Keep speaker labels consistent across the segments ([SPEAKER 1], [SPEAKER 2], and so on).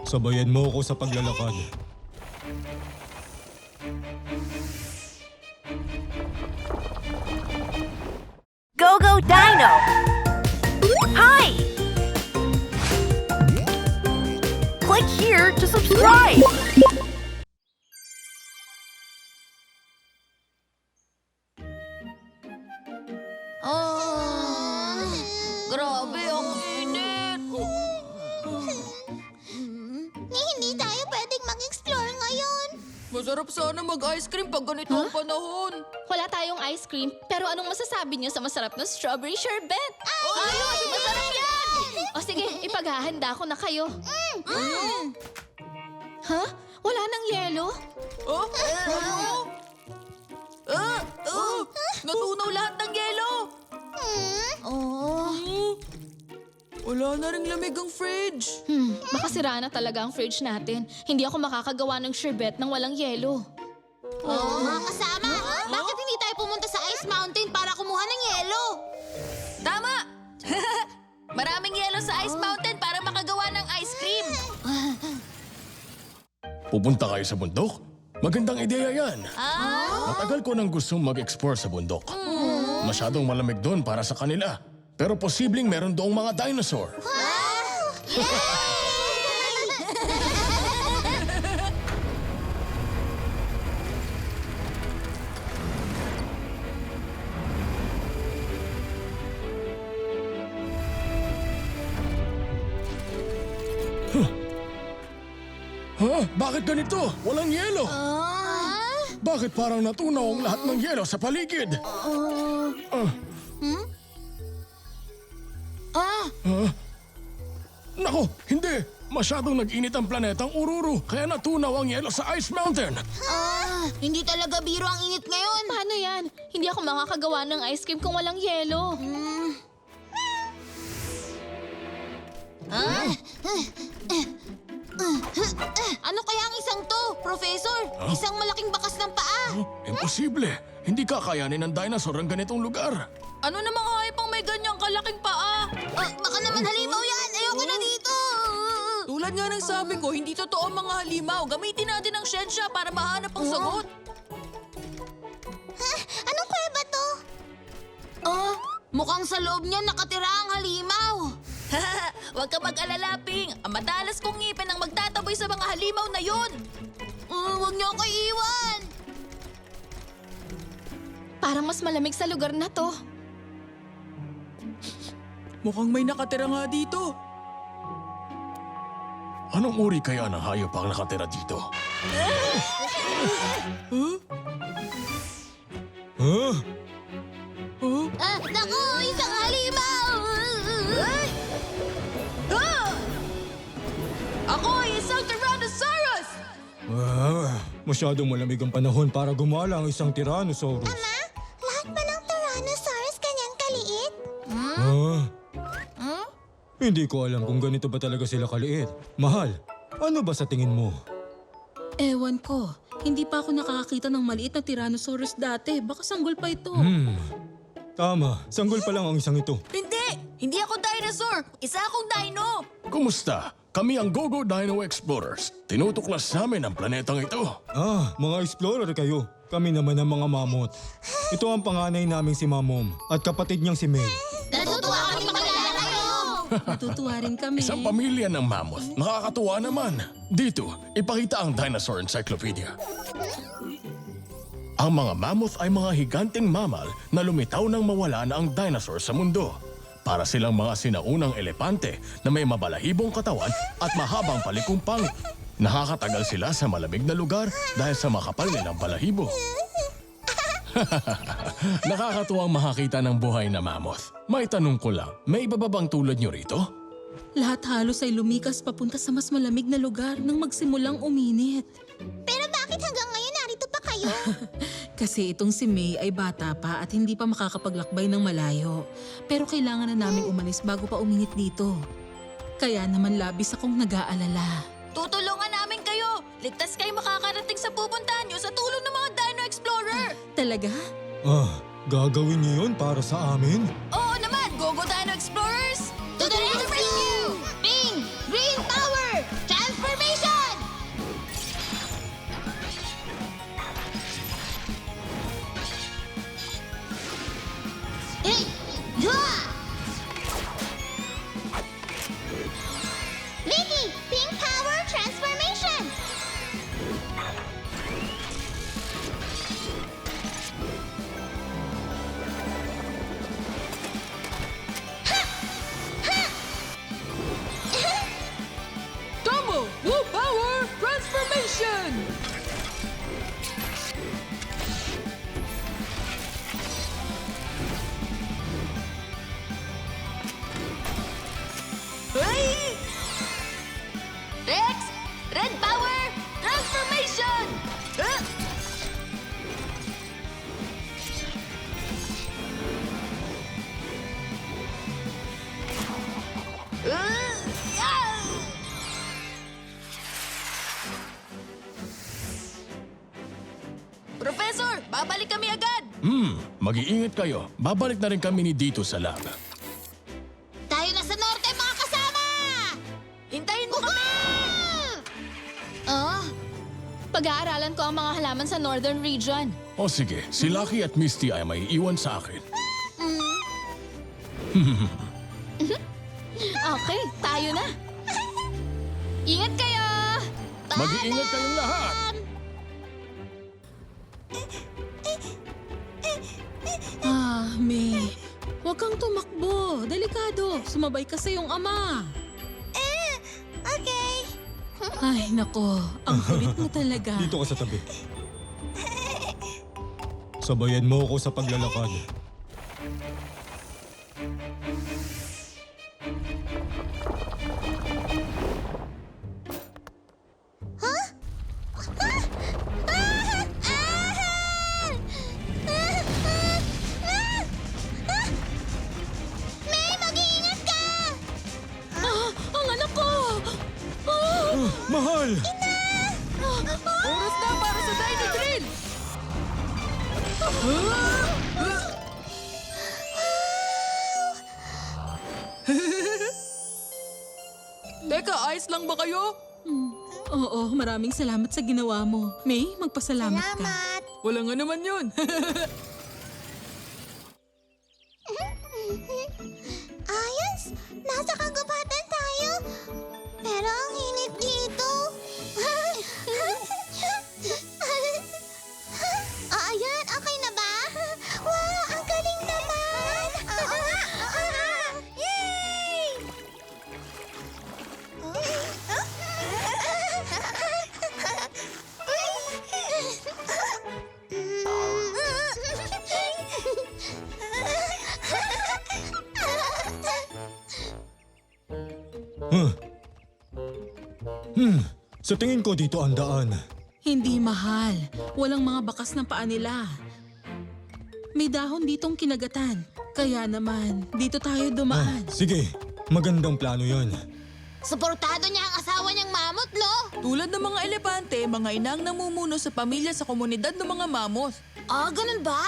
[SPEAKER 1] Sabayan mo ako sa paglalakad.
[SPEAKER 2] Go Go Dino! Hi! Click here to subscribe!
[SPEAKER 3] Grabe, ang init.
[SPEAKER 4] Hindi tayo pwedeng mag-explore ngayon.
[SPEAKER 3] Masarap sana mag-ice cream pag ganito ang panahon.
[SPEAKER 5] Wala tayong ice cream, pero anong masasabi niyo sa masarap na strawberry sherbet?
[SPEAKER 4] Ayun! Masarap yan!
[SPEAKER 5] O sige, ipaghahanda ko na kayo. Ha? Wala nang yelo?
[SPEAKER 3] Natunaw lahat ng yelo. Wala na ring lamig ang fridge.
[SPEAKER 5] Baka sira na talaga ang fridge natin. Hindi ako makakagawa ng sherbet nang walang yelo.
[SPEAKER 4] Mga kasama, bakit hindi tayo pumunta sa Ice Mountain para kumuha ng yelo?
[SPEAKER 3] Tama! Maraming yelo sa Ice Mountain para makagawa ng ice cream.
[SPEAKER 6] Pupunta kayo sa bundok? Magandang ideya yan. Matagal ko nang gustong mag-explore sa bundok. Masyadong malamig doon para sa kanila. Pero posibleng meron doong mga dinosaur. Bakit ganito? Walang yelo. Bakit parang natunaw ang lahat ng yelo sa paligid? Nako, hindi! Masyadong nag-init ang planetang Ururu, kaya natunaw ang yelo sa Ice Mountain.
[SPEAKER 4] Hindi talaga biro ang init ngayon.
[SPEAKER 5] Paano yan? Hindi ako makakagawa ng ice cream kung walang yelo.
[SPEAKER 4] Ano kaya ang isang to, Professor? Isang malaking bakas ng paa.
[SPEAKER 6] Imposible. Hindi kakayanin ng dinosaur ang ganitong lugar.
[SPEAKER 3] Ano namang hayop ang may ganyang kalaking paa?
[SPEAKER 4] Baka naman halimaw yan. Ayoko na dito.
[SPEAKER 3] Tulad nga ng sabi ko, hindi totoo ang mga halimaw. Gamitin natin ang siyensya para mahanap ang sagot.
[SPEAKER 4] Anong kuweba to? Mukhang sa loob niya nakatira ang halimaw.
[SPEAKER 3] Huwag ka mag-alala, Ping. Ang matalas kong ngipin ang magtataboy sa mga halimaw na yun.
[SPEAKER 4] Huwag niyo ako iiwan.
[SPEAKER 5] Parang mas malamig sa lugar na to.
[SPEAKER 3] Mukhang may nakatira nga dito.
[SPEAKER 6] Anong uri kaya ng hayop ang nakatira dito?
[SPEAKER 4] Naku, isang halimaw.
[SPEAKER 3] Ako ay isang Tyrannosaurus!
[SPEAKER 1] Masyadong malamig ang panahon para gumala ang isang Tyrannosaurus.
[SPEAKER 4] Lahat ba ng Tyrannosaurus kanyang kaliit?
[SPEAKER 1] Hindi ko alam kung ganito ba talaga sila kaliit. Mahal, ano ba sa tingin mo?
[SPEAKER 7] Ewan ko. Hindi pa ako nakakakita ng maliit na Tyrannosaurus dati. Baka sanggol pa ito.
[SPEAKER 1] Tama, sanggol pa lang ang isang ito.
[SPEAKER 3] Hindi! Hindi ako dinosaur! Isa akong dino!
[SPEAKER 6] Kumusta? Kami ang Go-Go Dino Explorers. Tinutuklas namin ang planetang ito.
[SPEAKER 1] Mga explorer kayo. Kami naman ang mga mammoth. Ito ang panganay naming si Mamom at kapatid niyang si May.
[SPEAKER 4] Natutuwa kami makilala kayo.
[SPEAKER 7] Natutuwa rin kami.
[SPEAKER 6] Isang pamilya ng mammoth. Nakakatuwa naman. Dito, ipakita ang Dinosaur Encyclopedia. Ang mga mammoth ay mga higanting mammal na lumitaw nang mawala na ang dinosaur sa mundo. Para silang mga sinaunang elepante na may mabalahibong katawan at mahabang palikumpang. Nakakatagal sila sa malamig na lugar dahil sa makapal nilang balahibo. Nakakatuwang makakita ng buhay na mammoth. May tanong ko lang, may iba ba bang tulad nyo rito?
[SPEAKER 7] Lahat halos ay lumikas papunta sa mas malamig na lugar nang magsimulang uminit.
[SPEAKER 4] Pero bakit hanggang ngayon narito pa kayo?
[SPEAKER 7] Kasi itong si May ay bata pa at hindi pa makakapaglakbay ng malayo. Pero kailangan na naming umalis bago pa uminit dito. Kaya naman labis akong nag-aalala.
[SPEAKER 3] Tutulungan namin kayo! Ligtas kayo makakarating sa pupuntahan nyo sa tulong ng mga Dino Explorer!
[SPEAKER 7] Talaga?
[SPEAKER 1] Gagawin niyo yun para sa amin?
[SPEAKER 3] Oo naman! Go-Go Dino Explorers!
[SPEAKER 4] To the rescue! Ping! Green Power! Transformation! Vicky, Pink Power Transformation!
[SPEAKER 3] Tomo, Blue Power Transformation! Hey! Rex, Red Power Transformation! Professor, babalik kami agad!
[SPEAKER 6] Mag-iingat kayo. Babalik na rin kami ni dito sa lab.
[SPEAKER 4] Tayo na sa norte, mga kasama!
[SPEAKER 3] Hintayin mo kami!
[SPEAKER 4] Oh,
[SPEAKER 5] Pag-aaralan ko ang mga halaman sa Northern Region.
[SPEAKER 6] O sige, si Lucky at Misty ay may iwan sa akin.
[SPEAKER 5] Okay, tayo na. Ingat kayo!
[SPEAKER 6] Mag-iingat kayong lahat!
[SPEAKER 7] May, huwag kang tumakbo. Delikado. Sumabay ka sa iyong ama.
[SPEAKER 4] okay.
[SPEAKER 7] Ay, nako. Ang kulit mo talaga.
[SPEAKER 1] Dito ka sa tabi. Sabayan mo ako sa paglalakad.
[SPEAKER 4] May, mag-iingat ka!
[SPEAKER 7] Ang anak ko!
[SPEAKER 1] Mahal!
[SPEAKER 3] Oras na para sa Dino Drill! Teka, ayos lang ba kayo?
[SPEAKER 7] Oo, maraming salamat sa ginawa mo. May, magpasalamat ka.
[SPEAKER 4] Salamat!
[SPEAKER 3] Wala nga naman yun.
[SPEAKER 4] Ayos! Nasa kagubatan tayo! Pero ang init dito! Ayan, okay na ba? Wow, ang galing naman! Oo nga! Yay!
[SPEAKER 1] Huh. Sa tingin ko dito ang daan.
[SPEAKER 7] Hindi mahal. Walang mga bakas ng paa nila. May dahon ditong kinagatan. Kaya naman, dito tayo dumaan.
[SPEAKER 1] Sige, magandang plano yon.
[SPEAKER 4] Suportado niya ang asawa niyang mamut, lo!
[SPEAKER 3] Tulad ng mga elepante, mga inang namumuno sa pamilya sa komunidad ng mga mammoth.
[SPEAKER 4] Ah, ganun ba?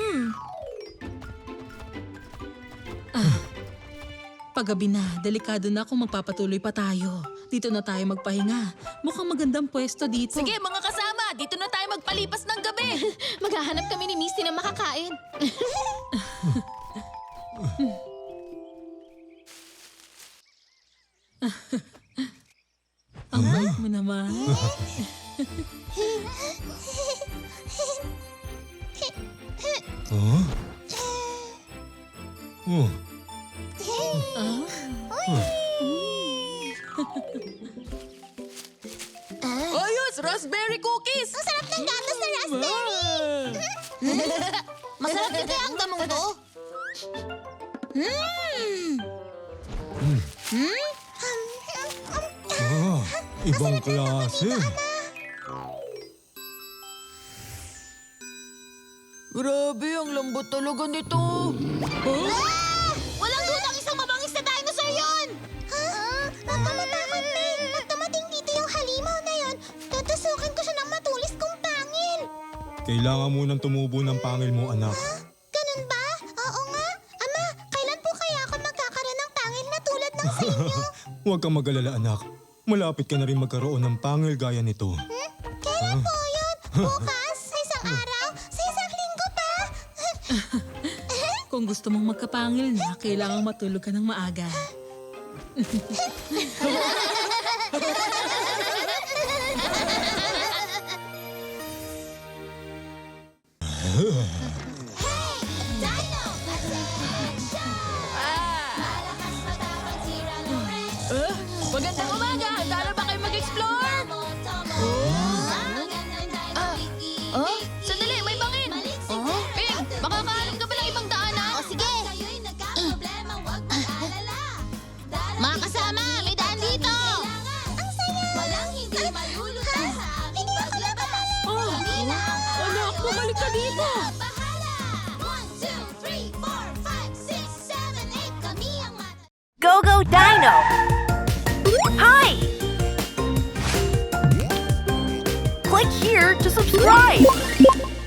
[SPEAKER 7] Paggabi na, delikado na kung magpapatuloy pa tayo. Dito na tayo magpahinga. Mukhang magandang pwesto dito.
[SPEAKER 3] Sige, mga kasama, dito na tayo magpalipas ng gabi.
[SPEAKER 5] Maghahanap kami ni Misty ng makakain.
[SPEAKER 7] Ang bait mo naman.
[SPEAKER 1] Huh? Oh,
[SPEAKER 3] Ayos, raspberry cookies!
[SPEAKER 4] Ang sarap ng gatas na raspberry! Masarap din kaya ang damong to?
[SPEAKER 1] ibang klase.
[SPEAKER 3] Grabe, ang lambot talaga nito.
[SPEAKER 4] Ah! Walang dudang isang mabangis na dinosaur yun! Nakamatakot, May. Pag dumating dito yung halimaw na yun, tutusukin ko siya ng matulis kong pangil.
[SPEAKER 1] Kailangan munang tumubo ng pangil mo, anak.
[SPEAKER 4] Ganun ba? Oo nga. Ama, kailan po kaya ako magkakaroon ng pangil na tulad ng sa inyo?
[SPEAKER 1] Huwag kang mag-alala, anak. Malapit ka na rin magkaroon ng pangil gaya nito.
[SPEAKER 4] Kailan po yun? Bukas? Sa isang araw? Sa isang linggo pa?
[SPEAKER 7] Kung gusto mong magkapangil na, kailangang matulog ka ng maaga.
[SPEAKER 4] Dino! Attention! Malakas matapang tira ng pressure.
[SPEAKER 3] Magandang umaga! Handa na ba kayo mag-explore? Sandali, may bangin! Ping, makakahanap ka ba ng ibang daanan?
[SPEAKER 4] O sige! Mga kasama, may daan dito! Ang saya! Walang hindi malulutang sa aming paglabas! Hindi na ang
[SPEAKER 3] Anak, bumalik ka dito!
[SPEAKER 4] bahala! 1, 2, 3, 4, 5, 6, 7, 8 Kami ang mata...
[SPEAKER 2] Go-Go Dino! Hi! Click here to subscribe!